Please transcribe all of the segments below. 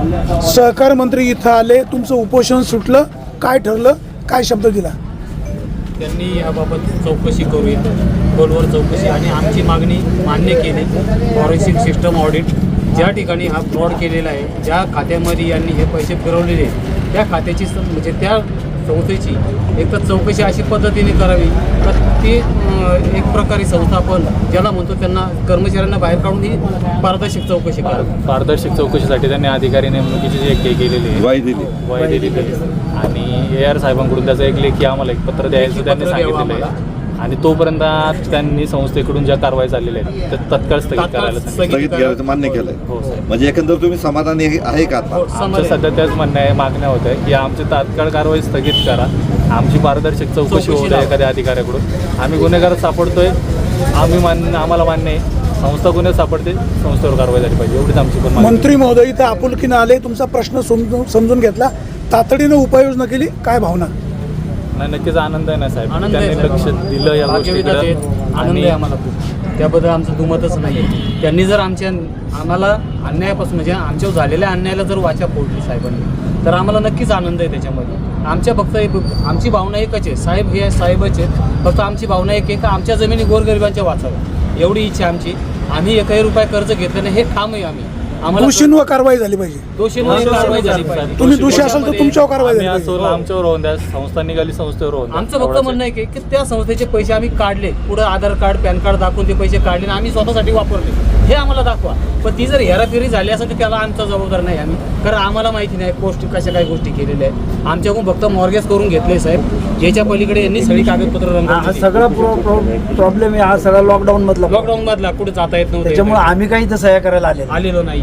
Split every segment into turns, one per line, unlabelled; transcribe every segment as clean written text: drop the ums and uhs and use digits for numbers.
सहकार मंत्री इथं आले, तुमचं उपोषण सुटलं, काय ठरलं, काय शब्द दिला?
त्यांनी याबाबत चौकशी करूया, खोलवर चौकशी, आणि आमची मागणी मान्य केली. फॉरेन्सिक सिस्टम ऑडिट, ज्या ठिकाणी हा फ्रॉड केलेला आहे, ज्या खात्यामध्ये यांनी हे पैसे फिरवलेले आहेत, त्या खात्याची म्हणजे त्या संस्थेची एक तर चौकशी अशी पद्धतीने करावी तर ती एक प्रकारे संस्थापन ज्याला म्हणतो त्यांना कर्मचाऱ्यांना बाहेर काढून ही पारदर्शक चौकशी करावी.
पारदर्शक चौकशीसाठी त्यांनी अधिकारी नेमणुकीची जी एक केलेली आहे, वाय दिली आणि AR साहेबांकडून त्याचं एक लेखी आम्हाला एक पत्र द्यायचं त्यांनी सांगितलेलं आहे. आणि तोपर्यंत त्यांनी संस्थेकडून ज्या कारवाई झालेल्या आहेत त्या तत्काळ स्थगित करायला
मान्य केलंय.
हो साहेब.
म्हणजे एकंदर तुम्ही समाधानी आहे का आता?
आमचं सध्या त्याच म्हणणं आहे, मागण्या होत आहे की आमची तात्काळ कारवाई स्थगित करा, आमची पारदर्शक चौकशी होत आहे एखाद्या अधिकाऱ्याकडून. आम्ही गुन्हेगार सापडतोय, आम्हाला मान्य आहे, संस्था गुन्हे सापडते, संस्थेवर कारवाई झाली पाहिजे, एवढीच आमची पण.
मंत्री महोदय इथं आपुलकीनं आले, तुमचा प्रश्न समजून घेतला, तातडीनं उपाययोजना केली, काय भावना?
नाही, नक्कीच आनंद आहे ना साहेब,
आनंद
त्यांनी
आहे
लक्ष दिलं या गोष्टीकडे.
आनंद आहे आम्हाला खूप, त्याबद्दल आमचं दुमतच नाही आहे. त्यांनी जर आम्हाला अन्यायापासून म्हणजे आमच्यावर झालेल्या अन्यायाला जर वाचा फोडली साहेबांनी तर आम्हाला नक्कीच आनंद आहे त्याच्यामध्ये. फक्त आमची भावना एकच आहे, साहेब हे साहेबच आहेत, फक्त आमची भावना एक आहे का आमच्या जमिनी गोरगरिबांच्या वाचाव्या, एवढी इच्छा आमची. आम्ही 1 रुपया कर्ज घेतलं नाही, हे ठाम आहे. आम्हाला
दोषींवर कारवाई झाली पाहिजे.
दोषींवर कारवाई झाली पाहिजे.
तुम्ही दोषी असाल तर तुमच्यावर कारवाई झाली पाहिजे.
आमच्यावर होऊन द्या, संस्था निघाली संस्थेवर होऊन द्या.
आमचं फक्त म्हणणं आहे की त्या संस्थेचे पैसे आम्ही काढले, पुढे आधार कार्ड पॅन कार्ड दाखवून ते पैसे काढले आणि आम्ही स्वतःसाठी वापरले, हे आम्हाला दाखवा. पण ती जर हेराफेरी झाली असेल तर त्याला आमचा जबाबदार नाही आम्ही, कारण आम्हाला माहिती नाही गोष्टी कशा काय गोष्टी केलेल्या आहेत. आमच्याकडून फक्त मॉर्गेज करून घेतले साहेब, ज्याच्या पलीकडे यांनी सगळी कागदपत्र रंगवली.
सगळा प्रॉब्लेम आहे हा सगळा लॉकडाऊन
मधला कुठे जाता येत नव्हतं,
त्याच्यामुळे आम्ही काही तसं सह्या करायला
आलेलो नाही.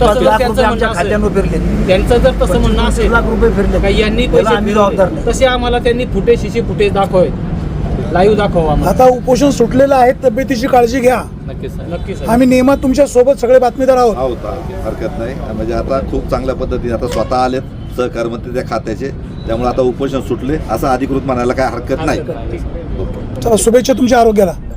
खात्यावर फिरले,
त्यांचं जर तसं म्हणणं असेल
लाख रुपये फिरले
काही यांनी
आम्ही जबाबदार
पैसे तसे आम्हाला त्यांनी फुटेज दाखवावे, लाईव्ह दाखवा.
आता उपोषण सुटलेलं आहे, तब्येतीची काळजी घ्या.
नक्कीच साहेब.
नक्कीच
आम्ही नेहमी तुमच्या सोबत सगळे बातमीदार आहोत.
हरकत नाही. म्हणजे आता खूप चांगल्या पद्धतीने आता स्वतः आलेत सहकार मंत्री त्या खात्याचे, त्यामुळे आता उपोषण सुटले असं अधिकृत म्हणायला काय हरकत नाही.
चला, शुभेच्छा तुमच्या आरोग्याला.